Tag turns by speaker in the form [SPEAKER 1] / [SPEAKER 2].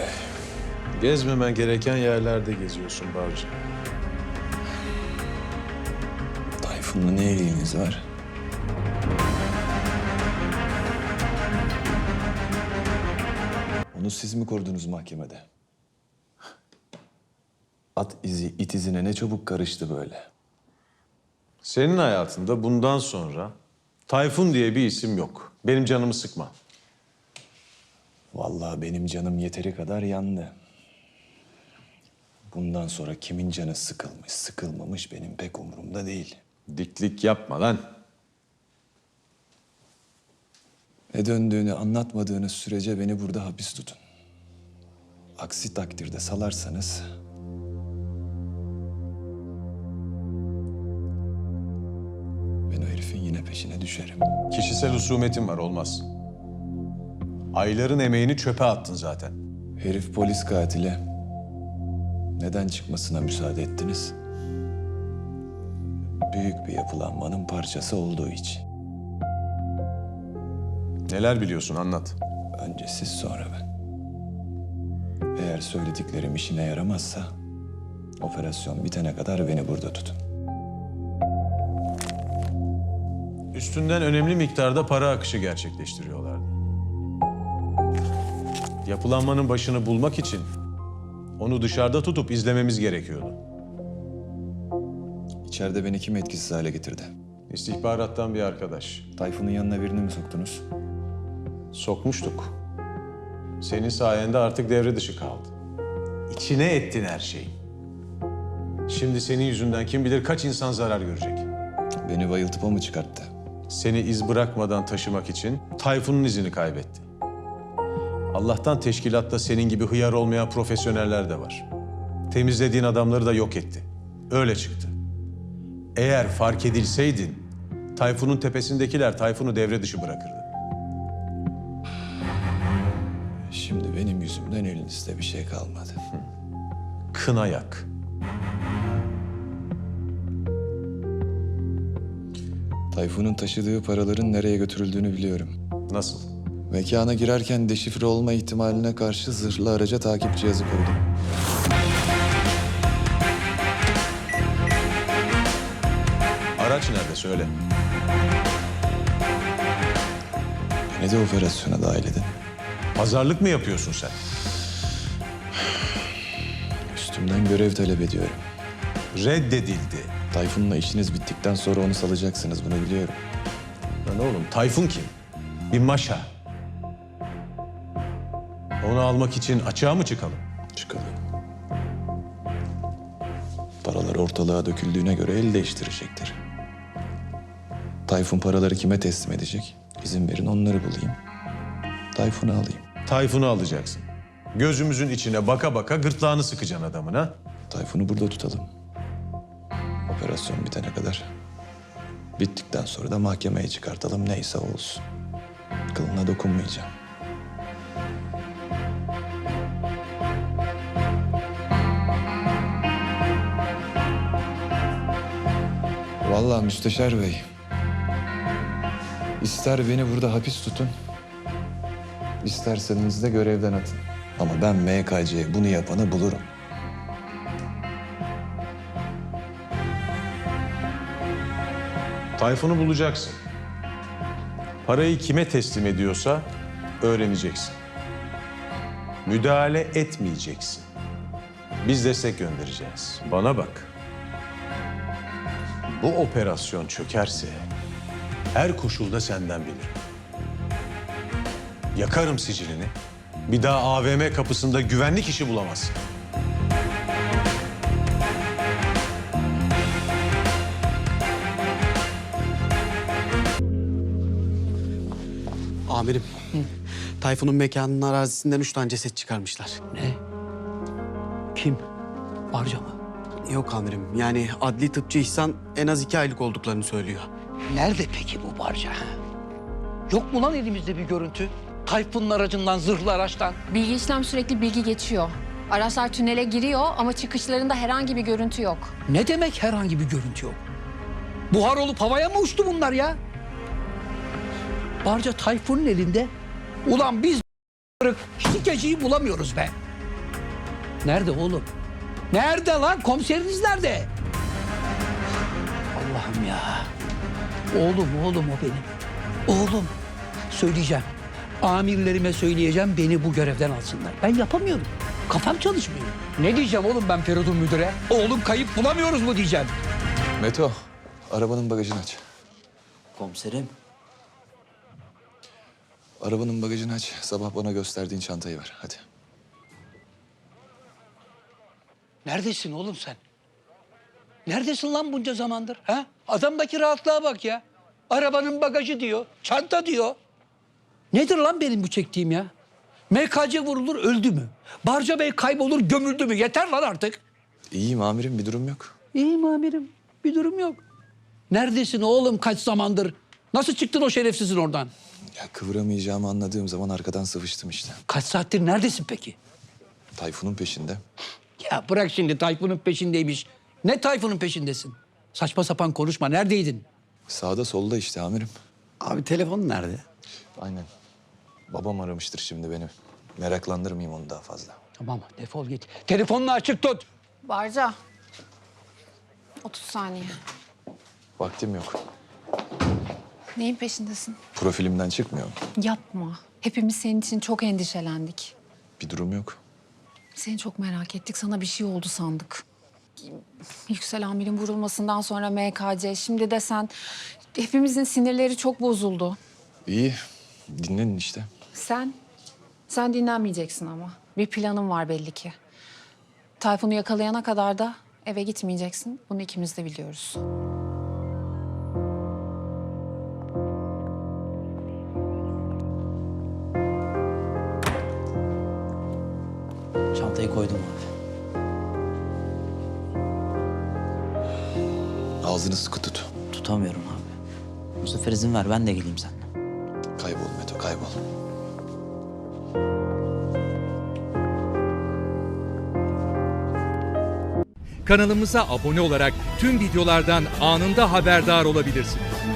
[SPEAKER 1] Gezmemen gereken yerlerde geziyorsun Barcı.
[SPEAKER 2] Tayfun'la ne ilginiz var? Onu siz mi korudunuz mahkemede? At izi it izine ne çabuk karıştı böyle.
[SPEAKER 1] Senin hayatında bundan sonra Tayfun diye bir isim yok. Benim canımı sıkma.
[SPEAKER 2] Vallahi benim canım yeteri kadar yandı. Bundan sonra kimin canı sıkılmış, sıkılmamış benim pek umurumda değil.
[SPEAKER 1] Diklik yapma lan.
[SPEAKER 2] Ne döndüğünü anlatmadığınız sürece beni burada hapis tutun. Aksi takdirde salarsanız... ben o herifin yine peşine düşerim.
[SPEAKER 1] Kişisel husumetin var, olmaz. Ayların emeğini çöpe attın zaten.
[SPEAKER 2] Herif polis katili. Neden çıkmasına müsaade ettiniz? Büyük bir yapılanmanın parçası olduğu için.
[SPEAKER 1] Neler biliyorsun, anlat.
[SPEAKER 2] Önce siz, sonra ben. Eğer söylediklerim işine yaramazsa... operasyon bitene kadar beni burada tutun.
[SPEAKER 1] Üstünden önemli miktarda para akışı gerçekleştiriyorlardı. Yapılanmanın başını bulmak için onu dışarıda tutup izlememiz gerekiyordu.
[SPEAKER 2] İçeride beni kim etkisiz hale getirdi?
[SPEAKER 1] İstihbarattan bir arkadaş.
[SPEAKER 2] Tayfun'un yanına birini mi soktunuz?
[SPEAKER 1] Sokmuştuk. Senin sayende artık devre dışı kaldı. İçine ettin her şeyi. Şimdi senin yüzünden kim bilir kaç insan zarar görecek.
[SPEAKER 2] Beni bayıltıp o mu çıkarttı?
[SPEAKER 1] Seni iz bırakmadan taşımak için Tayfun'un izini kaybetti. Allah'tan teşkilatta senin gibi hıyar olmayan profesyoneller de var. Temizlediğin adamları da yok etti. Öyle çıktı. Eğer fark edilseydin, Tayfun'un tepesindekiler Tayfun'u devre dışı bırakırdı.
[SPEAKER 2] Şimdi benim yüzümden elinizde bir şey kalmadı.
[SPEAKER 1] Kına yak.
[SPEAKER 2] Tayfun'un taşıdığı paraların nereye götürüldüğünü biliyorum.
[SPEAKER 1] Nasıl?
[SPEAKER 2] Mekana girerken deşifre olma ihtimaline karşı zırhlı araca takip cihazı koydum.
[SPEAKER 1] Araç nerede, söyle.
[SPEAKER 2] Beni de operasyona dahil edin.
[SPEAKER 1] Pazarlık mı yapıyorsun sen?
[SPEAKER 2] Üstümden görev talep ediyorum.
[SPEAKER 1] Reddedildi.
[SPEAKER 2] Tayfun'la işiniz bittikten sonra onu salacaksınız, bunu biliyorum.
[SPEAKER 1] Lan oğlum, Tayfun kim? Bir maşa. Onu almak için açığa mı çıkalım?
[SPEAKER 2] Çıkalım. Paralar ortalığa döküldüğüne göre el değiştirecektir. Tayfun paraları kime teslim edecek? İzin verin onları bulayım. Tayfun'u alayım.
[SPEAKER 1] Tayfun'u alacaksın. Gözümüzün içine baka baka gırtlağını sıkacaksın adamın, ha?
[SPEAKER 2] Tayfun'u burada tutalım. Operasyon bitene kadar. Bittikten sonra da mahkemeye çıkartalım, neyse olsun. Kılına dokunmayacağım. Vallahi Müsteşar Bey, ister beni burada hapis tutun, isterseniz de görevden atın. Ama ben MKC'ye bunu yapanı bulurum.
[SPEAKER 1] Tayfun'u bulacaksın. Parayı kime teslim ediyorsa öğreneceksin. Müdahale etmeyeceksin. Biz destek göndereceğiz. Bana bak. Bu operasyon çökerse her koşulda senden bilirim. Yakarım sicilini. Bir daha AVM kapısında güvenlik işi bulamazsın.
[SPEAKER 3] Amirim, Tayfun'un mekanının arazisinden 3 tane ceset çıkarmışlar.
[SPEAKER 4] Ne? Kim? Barca mı?
[SPEAKER 3] Yok amirim, yani adli tıpçı İhsan en az 2 aylık olduklarını söylüyor.
[SPEAKER 4] Nerede peki bu Barca? Yok mu lan elimizde bir görüntü? Tayfun'un aracından, zırhlı araçtan.
[SPEAKER 5] Bilgi işlem sürekli bilgi geçiyor. Araçlar tünele giriyor ama çıkışlarında herhangi bir görüntü yok.
[SPEAKER 4] Ne demek herhangi bir görüntü yok? Buhar olup havaya mı uçtu bunlar ya? Barca Tayfun'un elinde. Ulan biz hiç geceyi bulamıyoruz be. Nerede oğlum? Nerede lan? Komiseriniz nerede? Allah'ım ya. Oğlum o benim. Oğlum. Söyleyeceğim. Amirlerime söyleyeceğim, beni bu görevden alsınlar. Ben yapamıyorum. Kafam çalışmıyor. Ne diyeceğim oğlum ben Feridun müdüre? Oğlum kayıp bulamıyoruz mu diyeceğim.
[SPEAKER 2] Meto, arabanın bagajını aç.
[SPEAKER 6] Komiserim.
[SPEAKER 2] Arabanın bagajını aç. Sabah bana gösterdiğin çantayı ver. Hadi.
[SPEAKER 4] Neredesin oğlum sen? Neredesin lan bunca zamandır? Ha? Adamdaki rahatlığa bak ya. Arabanın bagajı diyor, çanta diyor. Nedir lan benim bu çektiğim ya? MKC vurulur öldü mü? Barca Bey kaybolur gömüldü mü? Yeter lan artık.
[SPEAKER 2] İyiyim amirim, bir durum yok.
[SPEAKER 4] İyiyim amirim, bir durum yok. Neredesin oğlum kaç zamandır? Nasıl çıktın o şerefsizin oradan?
[SPEAKER 2] Ya kıvıramayacağımı anladığım zaman arkadan sıvıştım işte.
[SPEAKER 4] Kaç saattir neredesin peki?
[SPEAKER 2] Tayfun'un peşinde.
[SPEAKER 4] Ya bırak şimdi Tayfun'un peşindeymiş. Ne Tayfun'un peşindesin? Saçma sapan konuşma. Neredeydin?
[SPEAKER 2] Sağda solda işte amirim.
[SPEAKER 3] Abi telefon nerede?
[SPEAKER 2] Aynen. Babam aramıştır şimdi beni. Meraklandırmayayım onu daha fazla.
[SPEAKER 4] Tamam defol git. Telefonunu açık tut.
[SPEAKER 5] Barca. 30 saniye.
[SPEAKER 2] Vaktim yok.
[SPEAKER 5] Neyin peşindesin?
[SPEAKER 2] Profilimden çıkmıyor.
[SPEAKER 5] Yapma. Hepimiz senin için çok endişelendik.
[SPEAKER 2] Bir durum yok.
[SPEAKER 5] Seni çok merak ettik. Sana bir şey oldu sandık. Yüksel amirin vurulmasından sonra MKC. Şimdi de sen. Hepimizin sinirleri çok bozuldu.
[SPEAKER 2] İyi. Dinlenin işte.
[SPEAKER 5] Sen dinlenmeyeceksin ama. Bir planın var belli ki. Tayfun'u yakalayana kadar da eve gitmeyeceksin. Bunu ikimiz de biliyoruz.
[SPEAKER 6] Çantayı koydum abi.
[SPEAKER 2] Ağzını sıkı tut.
[SPEAKER 6] Tutamıyorum abi. Bu sefer izin ver ben de geleyim seninle.
[SPEAKER 2] Kaybol Meto, kaybol.
[SPEAKER 7] Kanalımıza abone olarak tüm videolardan anında haberdar olabilirsiniz.